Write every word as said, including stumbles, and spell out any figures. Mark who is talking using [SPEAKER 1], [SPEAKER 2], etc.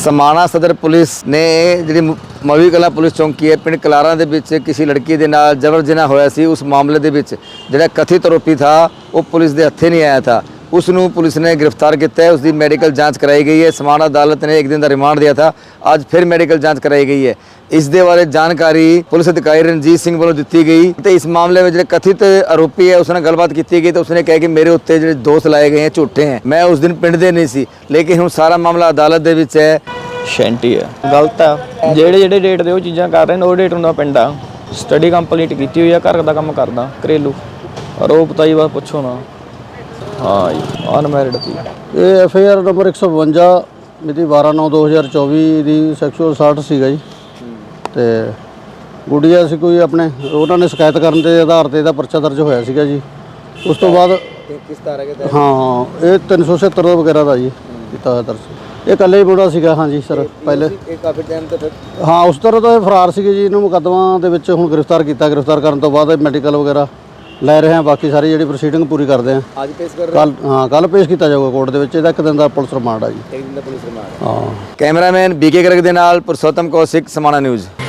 [SPEAKER 1] समाणा सदर पुलिस ने जी मवी कला पुलिस चौकी है पिंड कलारा दे विच किसी लड़की के नाल जबर जिना होया सी। उस मामले दे विच जिहड़ा कथित आरोपी था वो पुलिस दे हत्थे नहीं आया था। उसनूं पुलिस ने गिरफ्तार किया है। उसकी मेडिकल जांच कराई गई है। समाणा अदालत ने एक दिन का रिमांड दिया था, आज फिर मेडिकल जांच कराई गई है। इस दे बारे जानकारी पुलिस अधिकारी रणजीत सिंह वालों दी गई। तो इस मामले में जो कथित आरोपी है उसने गलबात की गई तो उसने कहा कि मेरे उत्ते जो दोष लाए गए हैं झूठे हैं, मैं उस दिन पिंड दे नहीं सी, लेकिन हुण सारा मामला अदालत दे विच है।
[SPEAKER 2] शैंटी है गलत है ਜਿਹੜੇ ਜਿਹੜੇ ਡੇਟ ਦੇ ਉਹ ਚੀਜ਼ਾਂ ਕਰ ਰਹੇ ਨੇ ਉਹ ਡੇਟ ਹੁੰਦਾ ਪਿੰਡ ਆ ਸਟੱਡੀ ਕੰਪਲੀਟ ਕੀਤੀ ਹੋਈ ਆ ਘਰ ਦਾ ਕੰਮ ਕਰਦਾ ਘਰੇਲੂ ਆਰੋਪ ਤਾਂ ਜੀ ਬਸ ਪੁੱਛੋ ਨਾ। ਹਾਂ ਜੀ ਅਨਮੈਰਿਡ ਸੀ।
[SPEAKER 3] ਇਹ ਐਫ ਆਈ ਆਰ ਨੰਬਰ ਇੱਕ ਸੌ ਬਵੰਜਾ ਮਿਤੀ ਬਾਰਾਂ ਨੌਂ ਦੋ ਹਜ਼ਾਰ ਚੌਵੀ ਦੀ ਸੈਕਸ਼ੂਅਲ ਅਸਾਲਟ ਸੀਗਾ ਜੀ। ਤੇ ਗੁੱਡੀਆ ਸੀ ਕੋਈ ਆਪਣੇ ਉਹਨਾਂ ਨੇ ਸ਼ਿਕਾਇਤ ਕਰਨ ਦੇ ਆਧਾਰ ਤੇ ਇਹਦਾ ਪਰਚਾ ਦਰਜ ਹੋਇਆ ਸੀਗਾ ਜੀ। ਉਸ ਤੋਂ ਬਾਅਦ
[SPEAKER 1] किस तरह के
[SPEAKER 3] ਹਾਂ ਇਹ ਤਿੰਨ ਸੌ ਸੱਤਰ ਵਗੈਰਾ ਦਾ ਜੀ ਕੀਤਾ ਹੋਇਆ ਦਰਜ। ਇਹ ਇਕੱਲੇ ਹੀ ਮੁੰਡਾ ਸੀਗਾ। ਹਾਂਜੀ ਸਰ ਪਹਿਲੇ
[SPEAKER 1] काफ़ी टाइम तो फिर
[SPEAKER 3] ਹਾਂ ਉਸ ਤਰ੍ਹਾਂ ਤਾਂ ਇਹ ਫਰਾਰ ਸੀਗੇ ਜੀ। ਇਹਨੂੰ ਮੁਕੱਦਮਾ ਦੇ ਵਿੱਚ ਹੁਣ ਗ੍ਰਿਫਤਾਰ ਕੀਤਾ। ਗ੍ਰਿਫਤਾਰ ਕਰਨ ਤੋਂ ਬਾਅਦ ਮੈਡੀਕਲ ਵਗੈਰਾ ਲੈ ਰਹੇ ਹਾਂ। ਬਾਕੀ ਸਾਰੀ ਜਿਹੜੀ ਪ੍ਰੋਸੀਡਿੰਗ ਪੂਰੀ ਕਰਦੇ ਹਾਂ।
[SPEAKER 1] आज पेश कर
[SPEAKER 3] ਕੱਲ ਹਾਂ ਕੱਲ ਪੇਸ਼ ਕੀਤਾ ਜਾਊਗਾ ਕੋਰਟ ਦੇ ਵਿੱਚ। ਇਹਦਾ ਇੱਕ ਦਿਨ ਦਾ ਪੁਲਿਸ ਰਿਮਾਂਡ ਆ ਜੀ।
[SPEAKER 1] एक दिन का पुलिस रिमांड।
[SPEAKER 3] ਹਾਂ
[SPEAKER 1] कैमरामैन बीके गर्ग दे नाल पुरुषोत्तम कौशिक, समाणा न्यूज़।